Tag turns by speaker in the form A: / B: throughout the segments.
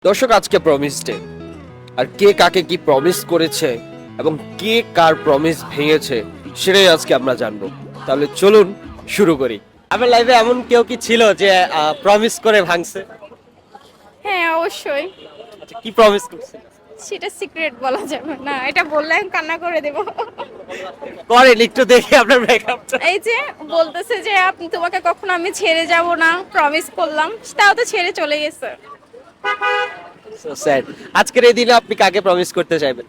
A: দর্শক, আজকে promise day. আর কে কাকে কি প্রমিস করেছে এবং কে কার প্রমিস ভেঙেছে সেটাই আজকে আমরা জানবো। তাহলে চলুন শুরু করি। আমার লাইফে এমন কেউ কি ছিল যে প্রমিস করে ভাঙছে?
B: হ্যাঁ, অবশ্যই।
A: আচ্ছা, কি প্রমিস করছে?
B: সেটা সিক্রেট বলা যাবে না, এটা বললে আমি কান্না করে দেব।
A: করেন একটু দেখি আপনার ব্রেকআপটা।
B: এই যে বলতেছে যে আপনি তোমাকে কখনো আমি ছেড়ে যাব না, প্রমিস করলাম, তাও তো ছেড়ে চলে গেছে।
A: So sad. আজকের এই দিনে আপনি কাকে প্রমিস করতে চাইবেন?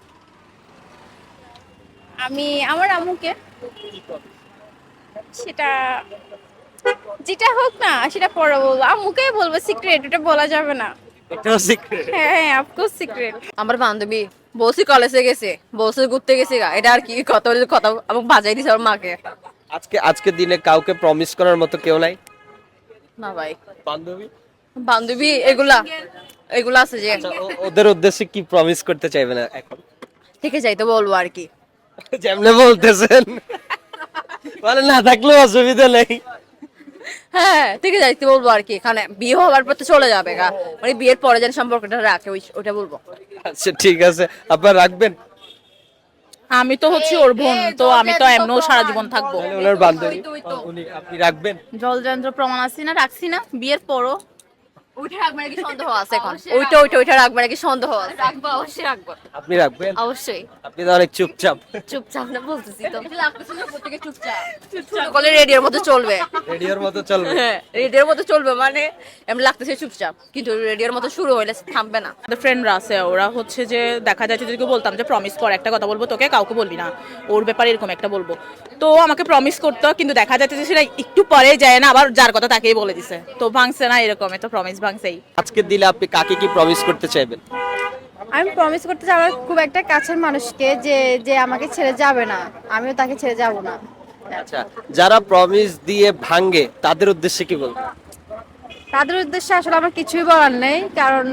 B: আমি আমার আম্মুকে, সেটা যেটা হোক না সেটা পরে বলবো, আম্মুকে বলবো, সিক্রেট, এটা বলা যাবে না।
A: এটাও সিক্রেট?
B: হ্যাঁ হ্যাঁ, অফকোর্স সিক্রেট।
C: আমার বান্ধবী বলছি কলেজে গেছে, বলছে ঘুরতে গেছি গা, এটা আর কি কত কথা আমাকে বাজাই দিছে আমার মাকে।
A: আজকের দিনে কাউকে প্রমিস করার মতো কেউ নাই?
C: না ভাই,
A: বান্ধবী?
C: বান্ধবী এগুলা এগুলা আছে যে
A: আচ্ছা, ওদের উদ্দেশ্যে কি প্রমিস করতে চাইবেন এখন?
C: থেকে যাইতে বলবো আর কি।
A: যেমনে বলতেছেন মানে না থাকলেও অসুবিধা নেই।
C: হ্যাঁ, থেকে যাইতে বলবো আর কি, এখানে বিয়ে হওয়ার পর তো চলে যাবে গা, মানে বিয়ের পরে যেন সম্পর্কটা রাখে ওইটা বলবো।
A: আচ্ছা ঠিক আছে, আপনারা রাখবেন?
D: আমি তো হচ্ছে ওর বোন, তো আমি তো এমনও সারা জীবন থাকবো।
A: তাহলে ওনার বান্ধবী আপনি রাখবেন?
D: জলযন্ত্র প্রমাণ আছি না, রাখছি না বিয়ের পরও।
C: ওইটা রাখবে নাকি সন্দেহ আছে এখন, ওইটা রাখবে নাকি সন্দেহ আছে। রাখবো, অবশ্যই রাখবো,
A: আপনি রাখবেন?
C: অবশ্যই।
A: আপনি তো অনেক চুপচাপ।
C: চুপচাপ না বলতেছি তো, লাগতেছে না প্রত্যেকে চুপচাপ চুপচাপ বলে রেডিওর মতো চলবে।
A: রেডিওর মতো চলবে?
C: হ্যাঁ, রেডিওর মতো চলবে, মানে এমন লাগতেছে চুপচাপ, কিন্তু রেডিওর মতো শুরু হইলে থামবে না।
D: আমাদের ফ্রেন্ডরা আছে, ওরা হচ্ছে যে দেখা যাচ্ছে যদি বলতাম যে প্রমিস কর, একটা কথা বলবো তোকে, কাউকে বলবি না, ওর ব্যাপারে এরকম একটা বলবো, তো আমাকে প্রমিস করতো, কিন্তু দেখা যাচ্ছে যে সেটা একটু পরে যায় না, আবার যার কথা তাকেই বলে দিছে, তো ভাঙছে না, এরকম তো প্রমিস ভাঙছেই।
A: আজকের দিনে আপনি কাকে কি প্রমিস করতে চাইবেন?
B: আমি প্রমিস করতে চাই আমার খুব একটা কাছের মানুষকে, যে যে আমাকে ছেড়ে যাবে না, আমিও তাকে ছেড়ে যাব না।
A: আচ্ছা, যারা প্রমিস দিয়ে ভাঙে তাদের উদ্দেশ্যে কি বলবেন?
B: তাদের উদ্দেশ্যে আসলে আমার কিছুই বলার নেই, কারণ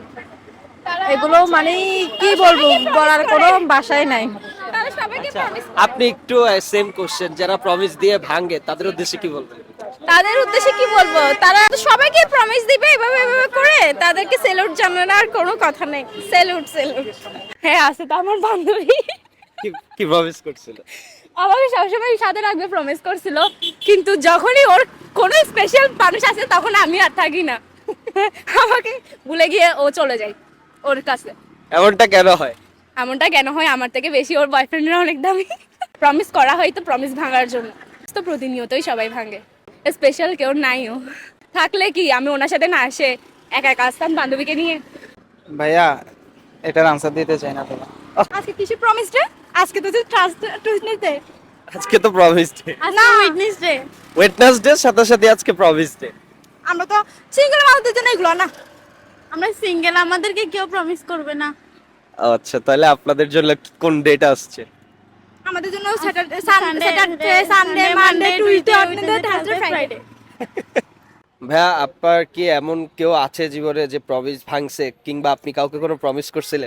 B: এগুলো মানে কি বলবো, বলার কোনো ভাষাই নাই।
A: আচ্ছা, আপনি একটু সেম কোশ্চেন, যারা প্রমিস দিয়ে ভাঙে তাদের উদ্দেশ্যে কি বলবেন?
B: তাদের উদ্দেশ্যে কি বলবো, তারা তো সবাইকে প্রমিস দিবে এভাবে এভাবে করে, তাদেরকে সেলুট জানানোর আর কোনো কথা নেই। Salute salute. হ্যাঁ, আছে তো আমার বান্ধবী,
A: কি প্রমিস করছিল?
B: আমাকে সবসময় সাথে রাখবে প্রমিস করছিল, কিন্তু যখনই ওর কোনো স্পেশাল মানুষ আছে তখন আমি আর থাকি না, আমাকে ভুলে গিয়ে ও চলে যায় ওর কাছে।
A: এমনটা কেন হয়?
B: এমনটা কেন হয়, আমার থেকে বেশি ওর বয়ফ্রেন্ডরা অনেক দামি। প্রমিস করা হয় তো প্রমিস ভাঙার জন্য, তো প্রতিনিয়তই সবাই ভাঙে, স্পেশাল কেউ নাইও। থাকলে কি আমি ওনার সাথে না আসে একা একা আসতাম বান্ধবীকে নিয়ে?
E: ভাইয়া, এটার আনসার দিতে চাই না তো।
B: আজকে কিছু প্রমিস ডে, আজকে তো ট্রাস্ট ডে।
A: আজকে তো প্রমিস ডে।
B: না, উইটনেস ডে।
A: ওয়েডনেসডে সাথে সাথে আজকে প্রমিস ডে।
B: আমরা তো সিঙ্গেল মানুষদের জন্য এগুলো না, আমরা সিঙ্গেল, আমাদেরকে কেউ প্রমিস করবে না।
A: আচ্ছা, তাহলে আপনাদের জন্য কোন ডেট আসছে?
B: আমাদের জন্য Saturday, Sunday, Monday, Tuesday, Wednesday, Thursday, Friday.
A: ভাইয়া, আপনার কি এমন কেউ আছে জীবনে যে প্রমিস ভাঙছে, কিংবা আপনি কাউকে কোনো প্রমিস করছিলেন?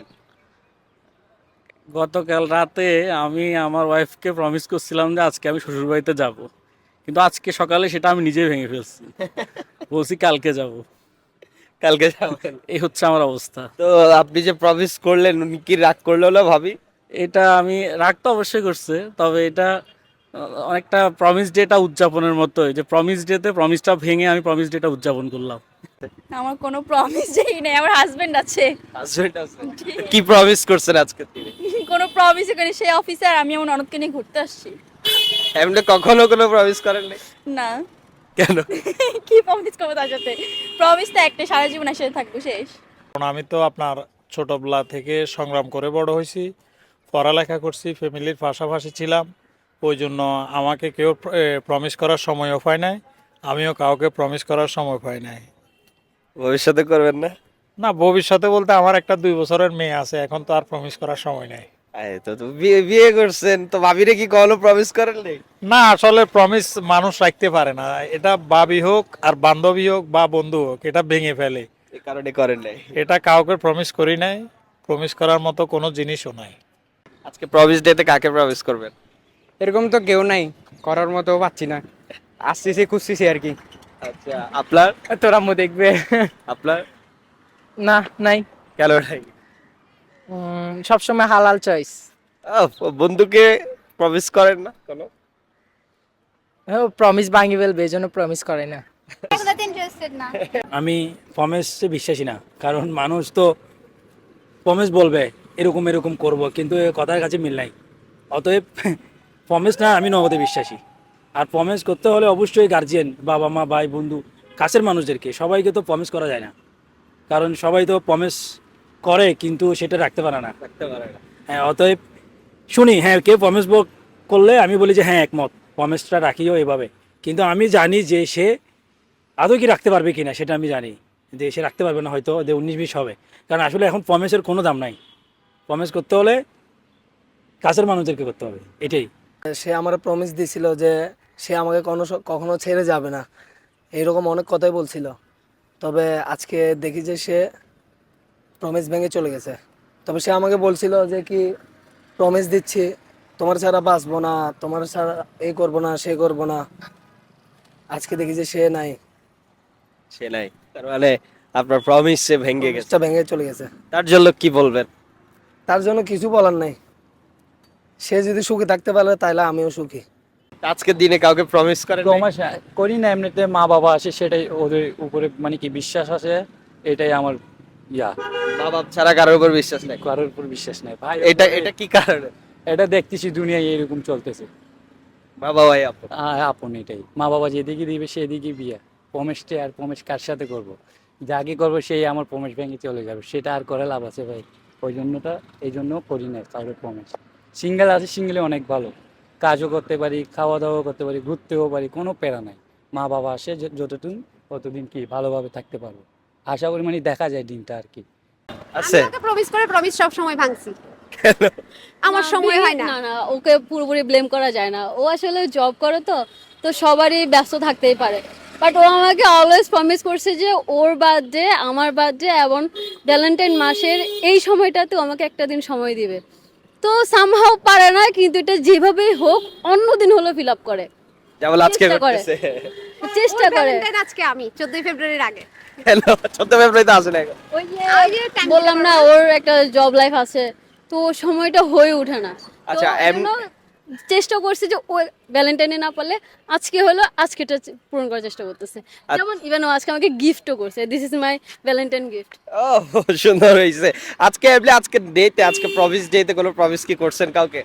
F: গতকাল রাতে আমি আমার ওয়াইফকে প্রমিস করছিলাম যে আজকে আমি শ্বশুর বাড়িতে যাব, কিন্তু আজকে সকালে সেটা আমি নিজেই ভেঙে ফেলছি, বলছি কালকে যাব।
A: কালকে যাবেন?
F: এই হচ্ছে আমার অবস্থা।
A: তো আপনি যে প্রমিস করলেন, উনি কি রাগ করলো না ভাবি?
F: এটা আমি রাগ তো অবশ্যই করছে, তবে এটা অনেকটা প্রমিস ডেটা উদযাপনের মতোই, যে প্রমিস ডেতে প্রমিসটা ভেঙে আমি প্রমিস ডেটা উদযাপন করলাম।
B: আমার কোনো প্রমিস যেই নেই, আমার হাজবেন্ড আছে।
A: হাজবেন্ড আছে? কি প্রমিস করছেন আজকে তিনি?
B: কোনো প্রমিসই করি, সেই অফিসার, আমি আমার ননদকে নিয়ে ঘুরতে আসছি।
A: এমনি কখনো কোনো প্রমিস করেন নাই?
B: না।
A: কেন?
B: কি প্রমিস করবো তার সাথে? প্রমিস তো একটা, সারা জীবন একসাথে থাকবো, শেষ।
G: কারণ আমি তো আপনার ছোটবেলা থেকে সংগ্রাম করে বড় হয়েছি, পড়ালেখা করছি, ফ্যামিলির পাশাপাশি ছিলাম, ওই জন্য আমাকে কেউ প্রমিস করার সময়ও পায় নাই, আমিও কাউকে প্রমিস করার সময় পাই নাই।
A: ভবিষ্যতে করবেন না?
G: না, ভবিষ্যতে বলতে আমার একটা 2 বছরের মেয়ে আছে, এখন তো আর প্রমিস করার সময় নাই।
A: এই তো বিয়ে করছেন, তো ভাবিরে কি কখনো প্রমিস করেন নাই?
G: না, আসলে প্রমিস মানুষ রাখতে পারে না, এটা ভাবি হোক আর বান্ধবী হোক বা বন্ধু হোক, এটা ভেঙে ফেলে,
A: এই কারণে করেন নাই?
G: এটা কাউকে প্রমিস করি নাই, প্রমিস করার মতো কোনো জিনিসও নাই।
A: আজকে প্রমিস ডেতে কাকে প্রমিস করবেন?
E: এরকম তো কেউ নাই, করার মতো পাচ্ছি না, আসতেছি খুঁজতেছি আর কি।
A: আচ্ছা, আপনার?
E: তোর আম্মু দেখবে।
A: আপনার?
E: না, নাই।
A: কেন নাই?
E: সবসময় হালাল চয়েস।
A: বন্ধুকে প্রমিস করেন না কোনো?
E: প্রমিস ভাঙি ফেলবে, এই জন্য প্রমিস করে না।
B: এগুলোতে ইন্টারেস্টেড না।
F: আমি প্রমিসে বিশ্বাসী না, কারণ মানুষ তো প্রমিস বলবে এরকম এরকম করব, কিন্তু এ কথার কাছে মিল নাই। অতএব প্রমিস না, আমি নগদে বিশ্বাসী। আর প্রমিস করতে হলে অবশ্যই গার্জিয়ান, বাবা মা, ভাই, বন্ধু, কাছের মানুষদেরকে, সবাইকে তো প্রমিস করা যায় না, কারণ সবাই তো প্রমিস করে কিন্তু সেটা রাখতে পারে না। হ্যাঁ, অতএব শুনি, হ্যাঁ, কেউ প্রমিস করলে আমি বলি যে হ্যাঁ একমত, প্রমিসটা রাখিও এভাবে। কিন্তু আমি জানি যে সে আদৌ কি রাখতে পারবে কিনা, সেটা আমি জানি যে সে রাখতে পারবে না, হয়তো 19-20 হবে। কারণ আসলে এখন প্রমিসের কোনো দাম নাই। প্রমিস করতে হলে কাছের মানুষদেরকে করতে হবে, এটাই।
H: সে আমার প্রমিস দিছিল যে সে আমাকে কখনো ছেড়ে যাবে না, এরকম অনেক কথাই বলছিল। তবে আজকে দেখি যে সে প্রমিস ভেঙে চলে গেছে। তবে সে আমাকে বলছিল যে কি প্রমিস দিচ্ছি, তোমার ছাড়া বাঁচবো না, তোমার ছাড়া এই করবো না, সে করবো না। আজকে দেখি যে সে নাই,
A: সে নাই, তার মানে আপনার প্রমিস সে ভেঙে গেছে।
H: প্রমিসটা ভেঙে চলে গেছে।
A: তার জন্য কি বলবেন?
H: তার জন্য কিছু বলার নাই। সে যদি সুখী থাকতে পারে তাহলে আমিও সুখী।
A: আজকের দিনে কাউকে প্রমিস করেন নাই?
F: প্রমিস করি না, এমনিতে মা বাবা আছে, সেটাই ওদের উপরে মানে কি বিশ্বাস আছে, এটাই আমার
A: মা বাপ ছাড়া কারোর উপর বিশ্বাস নাই?
F: কারোর উপর বিশ্বাস নেই ভাই।
A: এটা কি কারণে?
F: এটা দেখতেছি দুনিয়ায় এরকম চলতেছে।
A: বাবা ভাই আপন।
F: আপন এটাই, মা বাবা যেদিকে দিবে সেদিকে বিয়ে। প্রমিসটা আর প্রমিস কার সাথে করব? যাকে করবো সেই আমার প্রমিস ভেঙে চলে যাবে, সেটা আর করে লাভ আছে ভাই? এই জন্য করি না কারোর প্রমিস। সিঙ্গেল আছে, সিঙ্গেলে অনেক ভালো, কাজও করতে পারি, খাওয়া দাওয়া করতে পারি, ঘুরতেও পারি, কোনো প্যারা নাই। মা বাবা আসে যতদিন ততদিন কি ভালোভাবে থাকতে পারবো, আশা করি, মানে দেখা যায় দিনটা আর কি।
A: আছে?
B: প্রমিস করে প্রমিস সব সময় ভাঙছি। আমার সময় হয় না।
C: না না, ওকে পুরোপুরি ব্লেম করা যায় না। ও আসলে জব করে, তো তো সবারই ব্যস্ত থাকতেই পারে। বাট ও আমাকে অলওয়েজ প্রমিস করছে যে ওর বার্থডে, আমার বার্থডে এবং ভ্যালেন্টাইন মাসের এই সময়টাতে ও আমাকে একটা দিন সময় দিবে। তো সামহাও পারে না, কিন্তু এটা যেভাবেই হোক অন্য দিন হলো ফিল আপ করে,
A: যেমন আজকে
C: চেষ্টা করে।
A: করতেছে।
C: চেষ্টা করে।
B: আজকে আমি 14 ফেব্রুয়ারির আগে।
A: কেন 14 ফেব্রুয়ারিতে আসে না এখন?
C: ওই যে বললাম না, ওর একটা জব লাইফ আছে, তো সময়টা হয়ে ওঠে না। তো
A: আচ্ছা,
C: ওই জন্য চেষ্টা করছে যে ও ভ্যালেন্টাইনে না পারলে আজকে হলো, আজকেটা পূরণ করার চেষ্টা করতেছে। যেমন ইভেন ও আজকে আমাকে গিফটও করছে, this is my Valentine gift.
A: ও, সুন্দর হয়েছে। আজকে আজকে ডেতে, আজকে প্রমিস ডেতে কোনো প্রমিস কি করছেন কাউকে?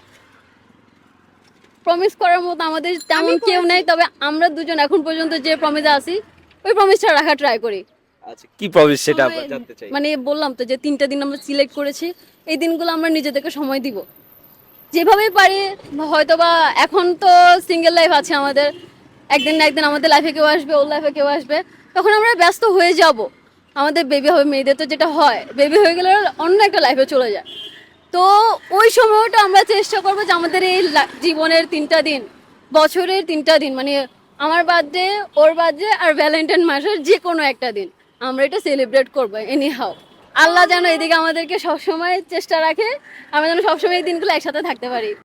C: প্রমিস করার মতো আমাদের তেমন কেউ নেই, তবে আমরা দুজন এখন পর্যন্ত যে প্রমিসে আছি ওই প্রমিসটা রাখা ট্রাই করি।
A: আচ্ছা, কি প্রমিস সেটা আমরা জানতে চাই।
C: মানে বললাম তো যে 3টা দিন আমরা সিলেক্ট করেছি, এই দিনগুলো আমরা নিজেদেরকে সময় দিব যেভাবে পারি। হয়তোবা এখন তো সিঙ্গেল লাইফ আছে আমাদের, একদিন না একদিন আমাদের লাইফে কেউ আসবে, ওর লাইফে কেউ আসবে, তখন আমরা ব্যস্ত হয়ে যাব। আমাদের বেবি হবে, মেয়েদের তো যেটা হয়, বেবি হয়ে গেলে অন্য একটা লাইফে চলে যায়। তো ওই সময়টা আমরা চেষ্টা করবো যে আমাদের এই জীবনের 3টা দিন, বছরের 3টা দিন, মানে আমার বার্থডে, ওর বার্থডে আর ভ্যালেন্টাইন মাসের যে কোনো একটা দিন আমরা এটা সেলিব্রেট করবো এনি হাউ। আল্লাহ যেন এদিকে আমাদেরকে সবসময় চেষ্টা রাখে, আমরা যেন সবসময় এই দিনগুলো একসাথে থাকতে পারি।